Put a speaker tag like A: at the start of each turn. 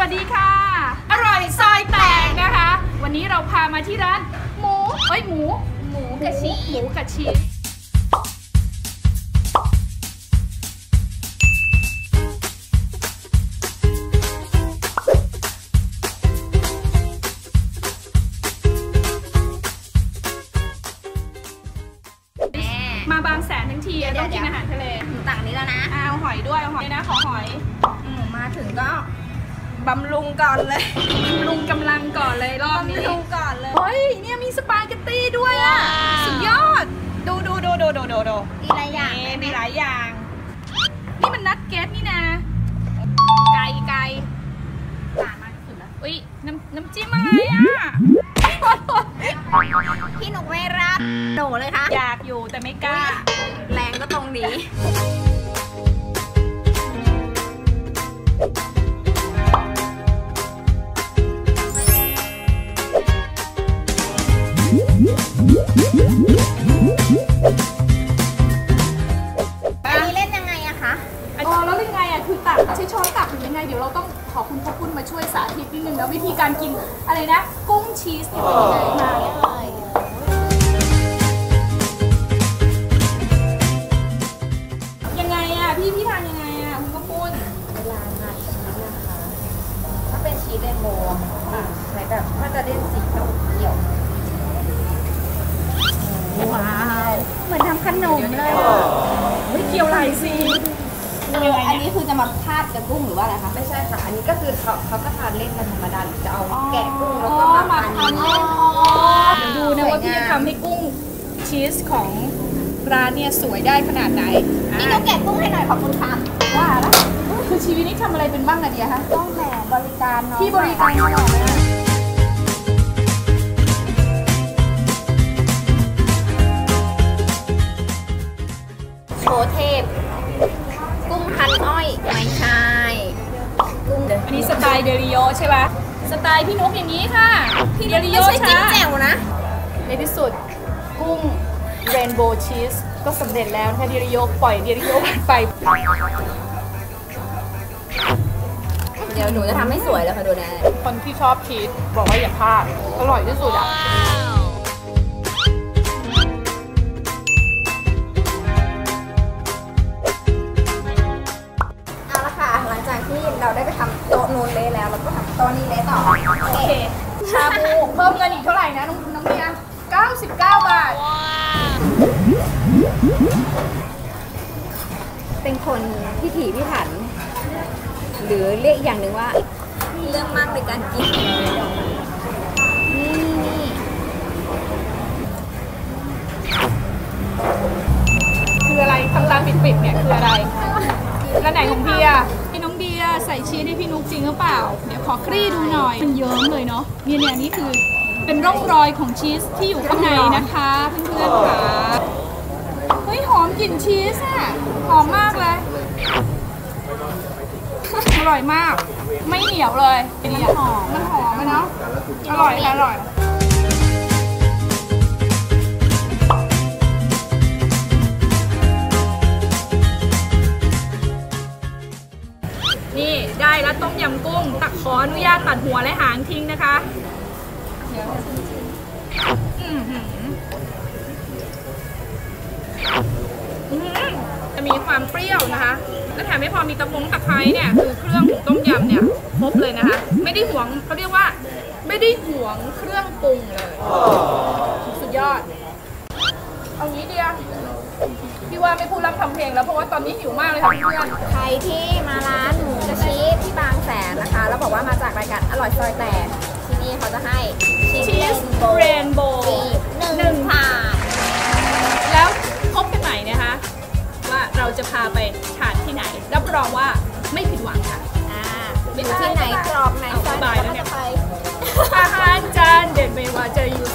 A: วัสดีค่ะอร่อยซอยแตกนะคะวันนี้เราพามาที่ร้านหมูกระชีมาบางแสนทั้งทีต้องกินอาหารทะเล
B: ต่างนี้แล้วนะ
A: เอาหอยด้วยเอาหอยนะขอหอย
B: มาถึงก็บำรุงก่อนเลย
A: บำรุงกำลังก่อนเลยรอบนี้
B: บำรุงก่อนเลย
A: เฮ้ยเนี่ยมีสปาเกตตี้ด้วยอ่ะสุดยอดดู
B: มีหลายอย่าง
A: นี่มันนัดเก็ตนี่นะไก่ต่างมากสุดแล้วอุ้ยน้ำจิ้มอะไรอ่ะ
B: พี่หนุกไม่รับโดเลยค่ะ
A: อยากอยู่แต่ไม่กล้า
B: แรงก็ตรงนี้อันนี้เล่นยังไงอะคะ
A: แล้วยังไงอะคือตักใช้ช้อนตักหรือยังไงเดี๋ยวเราต้องขอคุณพ่อคุณมาช่วยสาธิตนิดนึงแล้ววิธีการกินอะไรนะกุ้งชีสเนี่ยเป็นยังไงมายังไงอะพี่ทานยังไงอะคุณพ่อคุณ
B: เวลาทานชีสนะคะถ้าเป็นชีสเรนโบว์ใช้แบบก็จะเล่นสีเขียวว้าวเหมือนทำขนมเลย
A: ไม่เกี่ยวไรสิ
B: อันนี้คือจะมาทาดกับกุ้งหรือว่าอะไรคะไม่ใช่ค่ะอันนี้ก็คือเขาก็ทานเล่นกันธรรมดาหรือจะเอาแกะกุ้งแล้วก็มาทานเล่น
A: ดูนะว่าพี่จะทำให้กุ้งชีสของร้านเนี่ยสวยได้ขนาดไหน
B: นี่เราแกะกุ้งให้หน่อยขอบคุณค่ะ
A: ว่าแล้วคือชีวิตนี้ทำอะไรเป็นบ้างนะเดียคะ
B: ต้องแหมบริการเนาะ
A: ที่บริการตลอดเลย
B: โชว์เทพกุ้งพันอ้อยไม่ใช่กุ้ง
A: อันนี้สไตล์เดริโยใช่ปะสไตล์พี่นุ๊กอย่างนี้ค่ะ
B: พี่เดริโยไม่ใช่จิ้มแจ่วนะ
A: ในที่สุดกุ้งเรนโบว์ชีสก็สำเร็จแล้วค่ะเดริโยปล่อยเดริโยไป
B: เดี๋ยวหนูจะทำให้สวยแล้วค่ะดูนะ
A: คนที่ชอบชีสบอกว่าอย่าพลาดอร่อยที่สุดอ่ะ
B: เราได้ไปทำโต๊ะนูนเลยแล้วเราก็ทำโต๊ะนี้เลยต่อ
A: โอเคชาบูเพิ่มเงินอีกเท่าไหร่นะน้องเมีย99 บาท
B: เป็นคนพิถีพิถันหรือเรียกอย่างหนึ่งว่าเรื่องมากในการกินนี่
A: คืออะไรทำตาปิดเนี่ยคืออะไรแล้วไหนของพี่อะน้องเดียใส่ชีสให้พี่นุ๊กจริงหรือเปล่าเดี๋ยวขอคลี่ดูหน่อยมันเยิ้มเลยเนาะเนี่ยนี่คือเป็นร่องรอยของชีสที่อยู่ข้างในนะคะเพื่อนๆค่ะเฮ้ยหอมกลิ่นชีสอะหอมมากเลยอร่อยมากไม่เหนียวเลยมันหอมเนาะอร่อยนี่ได้แล้วต้มยำกุ้งตักขออนุญาตตัดหัวและหางทิ้งนะคะจะมีความเปรี้ยวนะคะและแถมไม่พอมีตะไคร้เนี่ยคือเครื่องของต้มยำเนี่ยครบเลยนะคะไม่ได้หวงเขาเรียกว่าไม่ได้หวงเครื่องปรุงเลยสุดยอดเอางี้เดียวพี่ว่าไม่พูดรับทำเพลงแล้วเพราะว่าตอนนี้หิวมากเลยค่ะเพื่อน
B: ใครที่มาร้านหมูกระชีสที่บางแสนนะคะแล้วบอกว่ามาจากรายการอร่อยซอยแตกที่นี่เขาจะให้
A: ชีสเรนโบว์1 ถาดแล้วพบกันใหม่นะคะว่าเราจะพาไปทานที่ไหนรับรองว่าไม่ผิดหวังค่ะ
B: อยู่ที่ไหนกรอบไหน
A: สบายแล้วเนี่ยอาหารจานเด็ดไม่ว่าจะอยู่